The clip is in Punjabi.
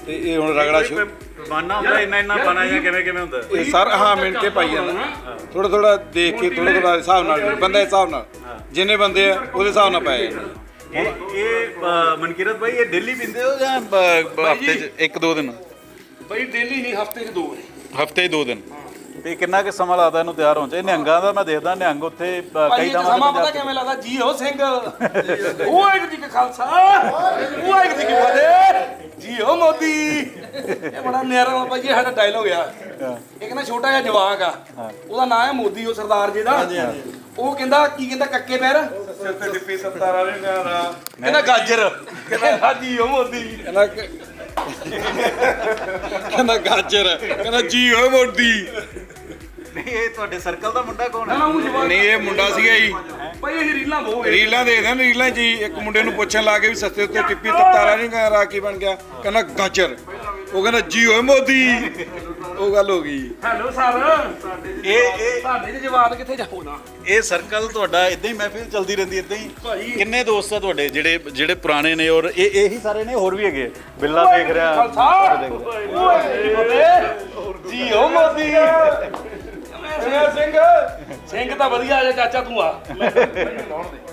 ਤੇ ਇਹ ਹੁਣ ਰਗੜਾ ਬਾਨਾ ਹੁੰਦਾ ਇੰਨਾ ਪਾਣਾ ਜਾਂ ਕਿਵੇਂ ਹੁੰਦਾ ਇਹ ਸਰ ਹਾਂ ਮਿੰਟ ਕੇ ਪਾਈ ਜਾਂਦਾ ਥੋੜਾ ਥੋੜਾ ਦੇਖ ਕੇ ਥੋੜਾ ਹਿਸਾਬ ਨਾਲ ਬੰਦੇ ਹਿਸਾਬ ਨਾਲ ਜਿੰਨੇ ਬੰਦੇ ਆ ਉਹਦੇ ਹਿਸਾਬ ਨਾਲ ਪਾਇਆ ਜਾਂਦਾ। ਇਹ ਮਨਕੀਰਤ ਭਾਈ ਇਹ ਡੇਲੀ ਪੀਂਦੇ ਹੋ ਜਾਂ ਹਫਤੇ 'ਚ 1-2 ਦਿਨ? ਬਈ ਡੇਲੀ ਨਹੀਂ, ਹਫਤੇ 'ਚ 2 ਵਾਰੀ। ਹਫਤੇ 'ਚ 2 ਦਿਨ। ਤੇ ਕਿੰਨਾ ਕਿ ਸਮਾਂ ਲੱਗਦਾ ਇਹਨੂੰ ਤਿਆਰ ਹੋਣ 'ਚ? ਇਹ ਨਿਹੰਗਾਂ ਦਾ ਮੈਂ ਦੇਖਦਾ ਨਿਹੰਗ ਉੱਥੇ ਕਈ ਥਾਵਾਂ ਸਮਾਂ ਪਤਾ ਕਿਵੇਂ ਲੱਗਦਾ? ਜੀ ਹੋ ਸਿੰਘ ਵਾਹਿਗੁਰੂ ਜੀ ਕਾ ਖਾਲਸਾ ਵਾਹਿਗੁਰੂ ਜੀ ਕੀ ਫਤਿਹ, ਜੀ ਹੋ ਮੋਦੀ। ਇਹ ਬੜਾ ਨਿਆਰਾ ਬਾਬਾ ਜੀ ਸਾਡਾ ਡਾਇਲੋਗ ਆ। ਇੱਕ ਨਾ ਛੋਟਾ ਜਿਹਾ ਜਵਾਕ ਆ, ਉਹਦਾ ਨਾਮ ਹੈ ਮੋਦੀ, ਉਹ ਸਰਦਾਰ ਜੀ ਦਾ। ਉਹ ਕਹਿੰਦਾ ਕੀ ਕਹਿੰਦਾ ਕੱਕੇ ਪੈਰ ਸਿਰ ਤੇ ਡਿੱਪੀ 17 ਵਾਲੇ ਕਹਿੰਦਾ ਗਾਜਰ, ਕਹਿੰਦਾ ਜੀ ਹੋ ਮੋਦੀ। ਕਹਿੰਦਾ ਗਾਜਰ, ਕਹਿੰਦਾ ਜੀ ਹੋ ਮੋਦੀ। ਨਹੀਂ ਇਹ ਤੁਹਾਡੇ ਸਰਕਲ ਦਾ ਮੁੰਡਾ ਕੌਣ ਹੈ? ਨਹੀਂ ਇਹ ਮੁੰਡਾ ਸੀਗਾ ਜੀ, ਭਾਈ ਇਹ ਰੀਲਾਂ ਬਹੁਤ ਰੀਲਾਂ ਦੇਖਦੇ ਨੇ। ਰੀਲਾਂ 'ਚ ਇੱਕ ਮੁੰਡੇ ਨੂੰ ਪੁੱਛਣ ਲਾ ਕੇ ਵੀ ਸਸਤੇ ਉੱਤੇ ਟਿੱਪੀ ਤਤਾਰਾ ਨਹੀਂ ਰਾ ਕੀ ਬਣ ਗਿਆ, ਕਹਿੰਦਾ ਗਾਜਰ। ਉਹ ਕਹਿੰਦਾ ਜੀ ਹੋਏ ਮੋਦੀ, ਉਹ ਗੱਲ ਹੋ ਗਈ। ਹੈਲੋ ਸਰ, ਇਹ ਸਾਡੇ ਦੇ ਜਵਾਨ ਕਿੱਥੇ ਜਾਉਣਾ? ਇਹ ਸਰਕਲ ਤੁਹਾਡਾ ਇਦਾਂ ਹੀ ਮਹਿਫਿਲ ਚੱਲਦੀ ਰਹਿੰਦੀ ਇਦਾਂ ਹੀ? ਕਿੰਨੇ ਦੋਸਤ ਆ ਤੁਹਾਡੇ ਜਿਹੜੇ ਪੁਰਾਣੇ ਨੇ ਔਰ ਇਹੀ ਸਾਰੇ ਨੇ? ਹੋਰ ਵੀ ਹੈਗੇ? ਬਿੱਲਾ ਦੇਖ ਰਿਹਾ, ਜੀ ਹੋ ਮੋਦੀ। ਸਿੰਘ ਤਾਂ ਵਧੀਆ ਆ, ਚਾਚਾ ਤੂੰ ਆ।